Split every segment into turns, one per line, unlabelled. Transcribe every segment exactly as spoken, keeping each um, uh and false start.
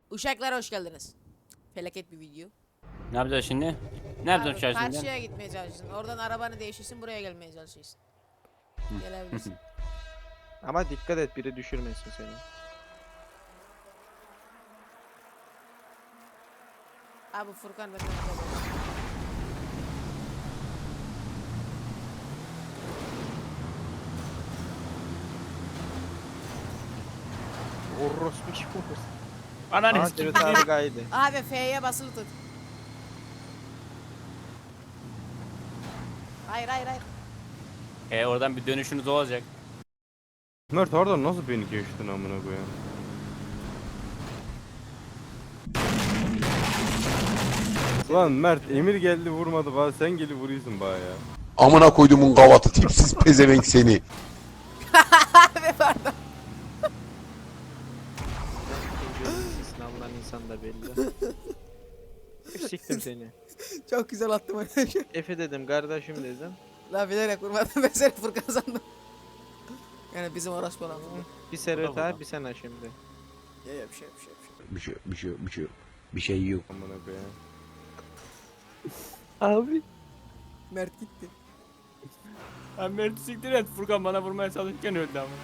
Uşaklar hoş geldiniz. Felaket bir video.
Ne yapacağız şimdi? Ne yapacağız
Abi,
uçağı şimdi?
karşıya gitmeye çalışıyorsun. Oradan arabanı değiştirsin, buraya gelmeye çalışıyorsun. Gelebilirsin.
Ama dikkat et biri düşürmesin seni.
Abi Furkan benden haber.
Orospu kim olursun?
Ananı
Aa
sikeyim.
evet abi kaydı.
Abi F'ye basılı tut. Hayır hayır hayır.
E oradan bir dönüşünüz olacak.
Mert oradan nasıl beni geçtin amına koyayım? Lan Mert Emir geldi vurmadı bana sen gelip vuruyorsun bana ya.
Amına koyduğumun gavatı tipsiz pezevenk seni.
Abi pardon.
Sınavından insan da belli. Siktim seni.
Çok güzel attım arkadaşlar.
Efe dedim kardeşim dedim.
La bilerek vurmadım, ben seni Furkan sandım. Yani bizim orospu olan.
Bir Servet abi bir sen şimdi.
Ya ya bir şey bir şey bir şey.
Bir şey bir şey bir şey bir şey yok.
Amına koyayım.
Abi.
Mert gitti.
Ben Mert'i siktir et. Furkan bana vurmaya çalışırken öldü ama.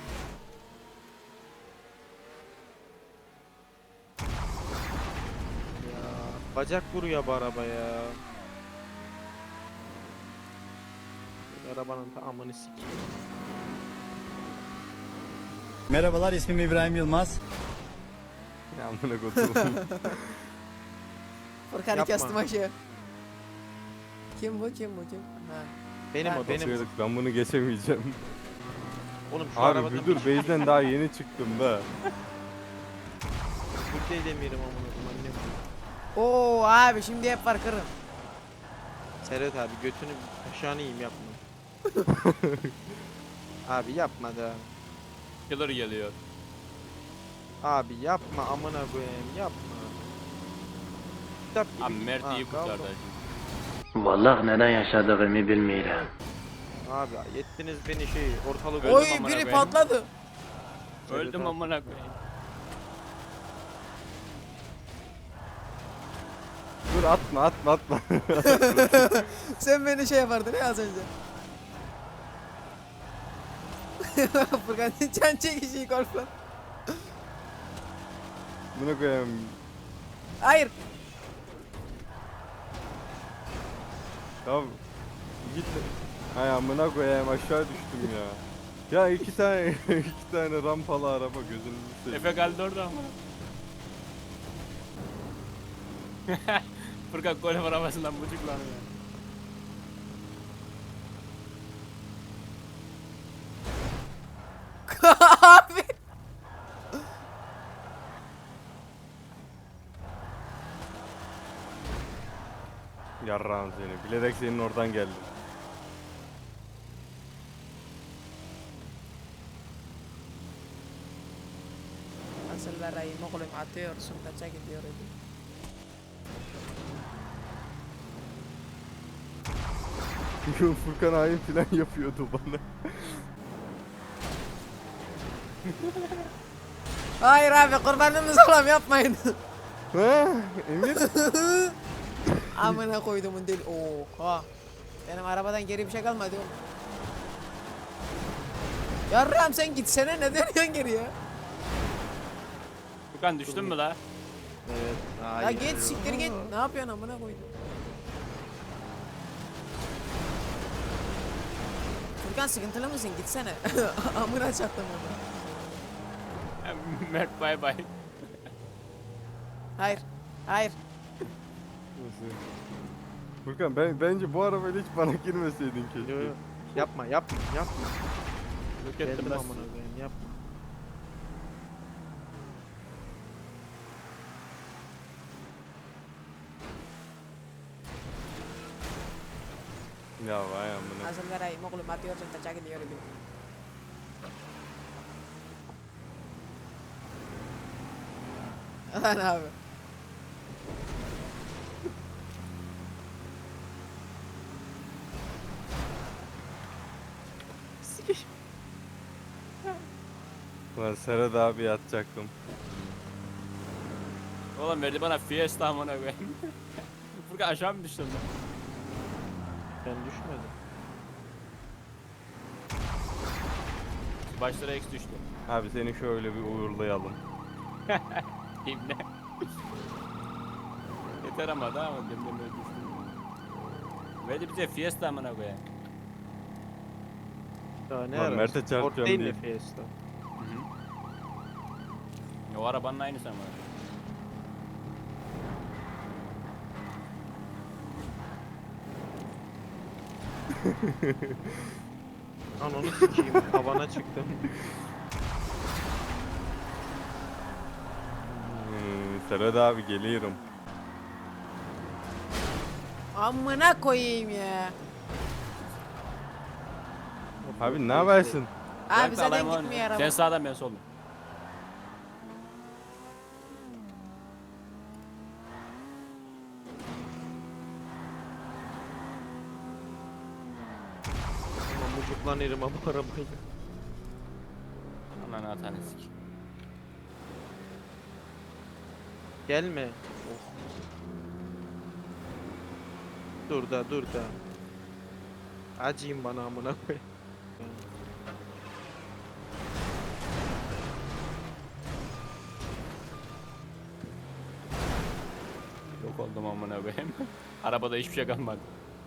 Ya bacak vuruyor bu araba ya. Arabanın tamamını sikeyim.
Merhabalar, ismim İbrahim Yılmaz.
Ya amına koyduğum.
Furkan'ı
Yapma.
kestim aşağı. Kim bu kim bu kim? Ha.
Benim
Ha,
o benim.
Basıyorduk, ben bunu geçemeyeceğim.
Oğlum şu
Abi
arabadan
bir dur base'den daha yeni çıktım da.
bir şey demiyorum amına koyayım. Annem.
Oo abi şimdi hep var kırın.
Servet abi götünü aşağını yiyeyim yapma. Abi yapma da.
Killer geliyor.
Abi yapma amına koyayım yapma. Kitap gibi.
Abi Mert
Ha,
iyi kurtardı.
kaldım.
Vallahi neden yaşadığımı bilmiyorum.
Abi yettiniz beni şey ortalık
Öldüm
Oy
amına
biri
koyayım.
patladı.
Öldüm amına koyayım.
Dur atma atma atma.
Sen beni şey yapardın ya az önce. Furkan can çekişi golfla.
Amına koyayım.
Hayır.
Tamam. Git. Hay amına koyayım aşağı düştüm ya. Ya iki tane iki tane rampalı araba gözünü seveyim.
Efe kaldı orada ama. Furkan golf arabasından buçuklanıyor.
Abi.
Yarrağım seni. Bilerek senin oradan geldim.
Nasıl vereyim oğlum atıyorsun kaça gidiyor öyle.
Furkan hain plan yapıyordu bana.
Hayır abi kurbanınız olam yapmayın.
Ha? Emir?
Amına koydumun deli. Oha. Benim arabadan geri bir şey kalmadı oğlum. Yarram sen gitsene ne dönüyorsun geriye?
Furkan düştün mü la?
Evet.
Ya
Hayır.
git siktir git. Ne yapıyorsun amına koydum? Furkan sıkıntılı mısın? Gitsene. Amına çaktım onu.
Mert bay bay.
Hayır. Hayır.
Nasıl? Furkan ben bence bu arabayla hiç bana girmeseydin keşke.
Yo, yo. Yapma yapma yapma.
Yok ettim
Geldim
ben.
amına koyayım yapma.
Ya vay amına.
Nasıl vereyim oğlum atıyorsun kaça gidiyor öyle. Lan abi.
Lan Serhat abi atacaktım.
Oğlum verdi bana Fiesta amına koyayım. Furkan aşağı mı düştün lan?
Ben düşmedim.
Başlara X düştü.
Abi seni şöyle bir uğurlayalım.
İbne. Yeter ama daha mı? Demden böyle düştü. Verdi bize Fiesta amına koyayım.
Daha ne
Lan
arası?
Mert'e
Sport
çarpacağım
değil
diye.
mi Fiesta?
O arabanın aynısı ama.
Lan onu sikeyim. Havana çıktım.
Hmm, Serhat abi geliyorum.
Amına koyayım ya.
Abi ne yaparsın?
Abi
Bırak da
zaten
alayım onu.
gitmiyor araba.
Sen sağdan ben soldan.
Ama mucuklanırım ama bu arabayla.
Ananı atanı sik.
Gelme. Oh. Dur da dur da. Acıyım bana amına koy.
Yok oldum amına koyayım. Arabada hiçbir şey kalmadı.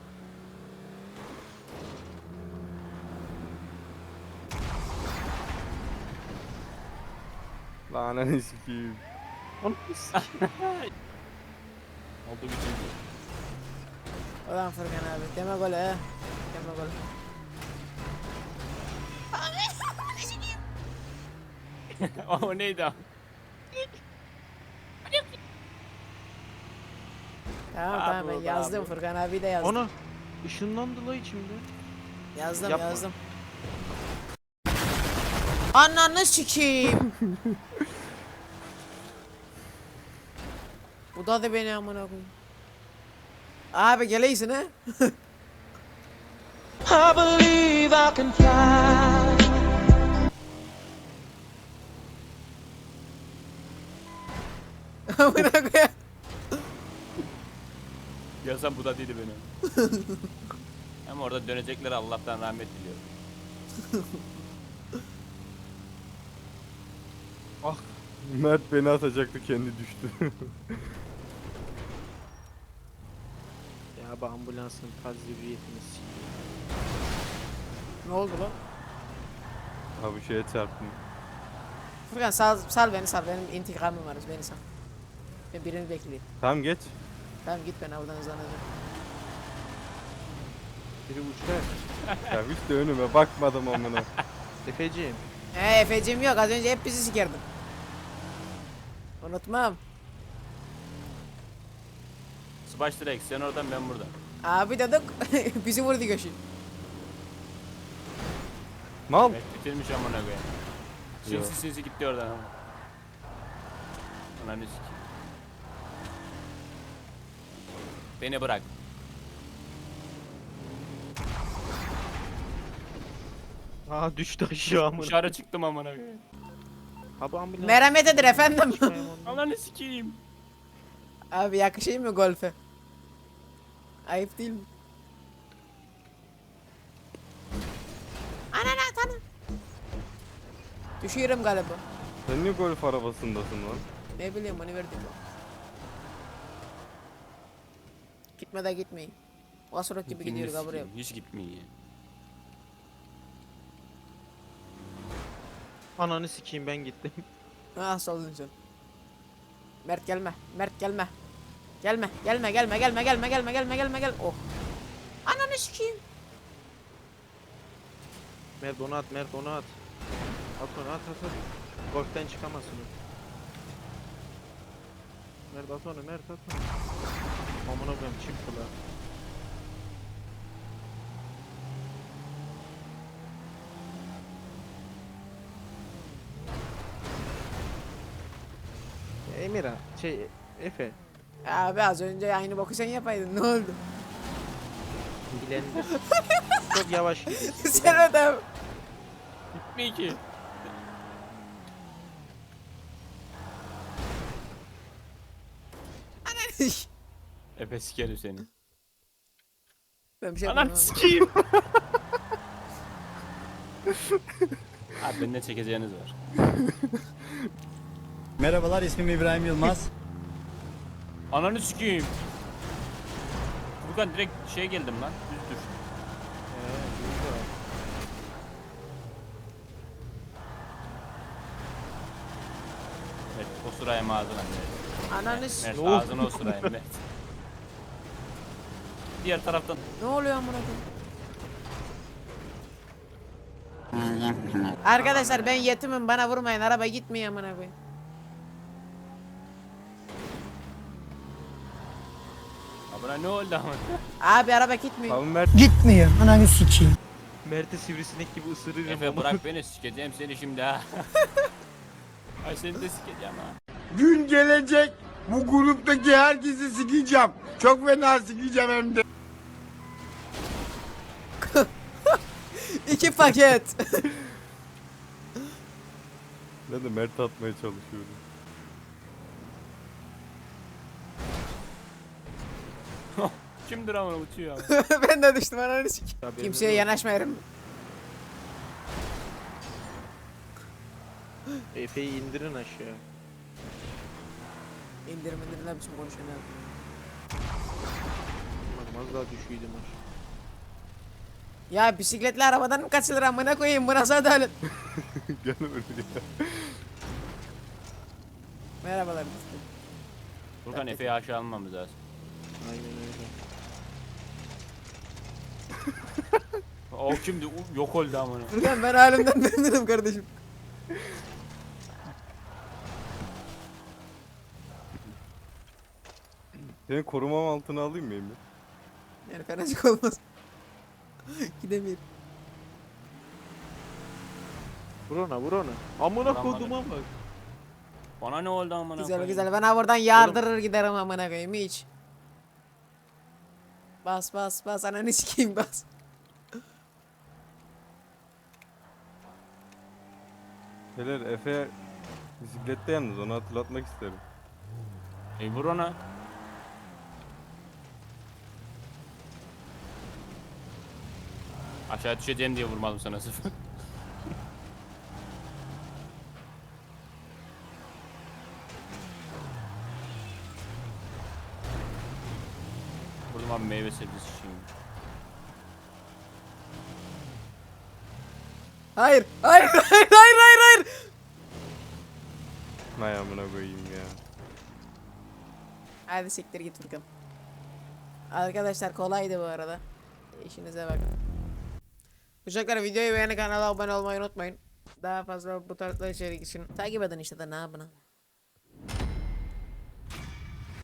Lan ananı sikeyim.
Onu sikeyim.
Oldu bitti.
Ulan Furkan abi. Deme gol he. Deme gol.
O neydi o?
Tamam
Abi
tamam ben
oldu
yazdım
abi.
Furkan abi de yazdım.
Ona ışınlandı la içimde.
Yazdım
Yapma.
yazdım. Ananı sikeyim. Bu da da beni amına koyayım. Abi geleysin ha.
I believe I can fly.
Amına koyayım.
Yazan bu da değildi beni. Ama orada dönecekler Allah'tan rahmet diliyorum.
Mert beni atacaktı kendi düştü.
Ya bu ambulansın tazibiyetini sikeyim.
Ne oldu lan?
Abi şeye çarptım.
Furkan sal, sal beni sal. Benim intikamım var. Beni sal. Ben birini bekleyeyim.
Tamam geç.
Tamam git ben oradan hızlanacağım.
Biri uçar.
Ya hiç de önüme bakmadım amına.
Efeciğim.
He Efe'cim yok. Az önce hep bizi sikerdin. Unutmam.
Smash direkt sen oradan ben buradan.
Abi dedik bizi vurdu göşü.
Mal.
Evet, bitirmiş amına koyayım.
Yo.
Sinsi sinsi gitti oradan ama. Ananı sikeyim. Beni bırak.
Aa düştü aşağı amına.
Dışarı çıktım amına koyayım.
Ha bu ambulans.
Merhamet edir efendim.
Çıkmayayım ondan.
Ananı sikeyim.
Abi yakışayım mı golfe? Ayıp değil mi? Anana tanı. Düşüyorum galiba.
Sen niye golf arabasındasın lan?
Ne bileyim onu verdim. Gitme de gitmeyin. Vasuruk gibi gidiyor
Gitmez
buraya.
ki, hiç gitmiyor ya.
Ananı sikeyim ben gittim.
Ah soldun sen. Mert gelme. Mert gelme. Gelme. Gelme gelme gelme gelme gelme gelme gelme gel. Oh. Ananı sikeyim.
Mert onu at, Mert onu at. At onu at at at. Golften çıkamazsın. o. Mert at onu, Mert at onu. Amına koyayım çıktı la. Emirhan, şey Efe,
Abi az önce aynı boku sen yapaydın. Ne oldu?
bilendir. Çok yavaş gidiyorsun.
Sen adam.
Gitmiyor ki. Efe sikerim seni.
Ben bir şey
Anam
yapmadım.
sikeyim. Abi benden çekeceğiniz var.
Merhabalar, ismim İbrahim Yılmaz.
Ananı sikeyim. Furkan direkt şey geldim lan. Düz düştüm. Evet, o sıraya ağzına.
Ananı
Mert,
s-
Mert
Ne oldu?
ağzına o sıraya Mert. Diğer taraftan.
Ne oluyor amına koyayım? Arkadaşlar ben yetimim, bana vurmayın, araba gitmiyor amına koyayım.
Abone ne oldu ama?
Abi araba gitmiyor.
Tamam Mert.
Gitmiyor. Ananı sikeyim.
Mert'i sivrisinek gibi ısırırım.
Efe bırak beni, sikeceğim seni şimdi ha. Ay seni de sikeceğim ha.
Gün gelecek bu gruptaki herkesi sikeceğim. Çok fena sikeceğim hem de.
İki paket.
Ben de Mert atmaya çalışıyorum.
Kimdir ama uçuyor ama.
Ben de düştüm ananı sik.
Tabii,
Kimseye
evet.
yanaşmayarım.
Efe'yi indirin aşağı.
İndirim indirim ne biçim konuşuyorsun abi.
Ulan az daha düşüydüm aşağı.
Ya bisikletli arabadan mı kaçılır amına koyayım, bu nasıl adalet?
Gel buraya.
Merhabalar.
Furkan Efe'yi aşağı almamız lazım.
Aynen öyle.
O kimdi? U- Yok oldu amına.
Furkan ben halimden memnunum kardeşim.
Seni korumam altına alayım mı Emir?
Yani fenacık olmaz. Gidemiyorum.
Vur ona vur ona. Amına
Vuramadım.
koduma bak.
Bana ne oldu amına
Güzel
koyayım?
güzel, ben ha buradan yardırır giderim amına koyayım hiç. Bas bas bas ananı sikeyim bas.
Beyler Efe bisiklette yalnız, onu hatırlatmak isterim.
E vur ona. Aşağı düşeceğim diye vurmadım sana sıfır. Vurdum abi, meyve sebzesi şimdi.
Hayır hayır hayır hayır hayır hayır.
Hay amına koyayım ya.
Hadi siktir git Furkan. Arkadaşlar kolaydı bu arada. İşinize bakın. Uşaklar videoyu beğenip kanala abone olmayı unutmayın. Daha fazla bu tarzda içerik için takip edin işte de ne yapın.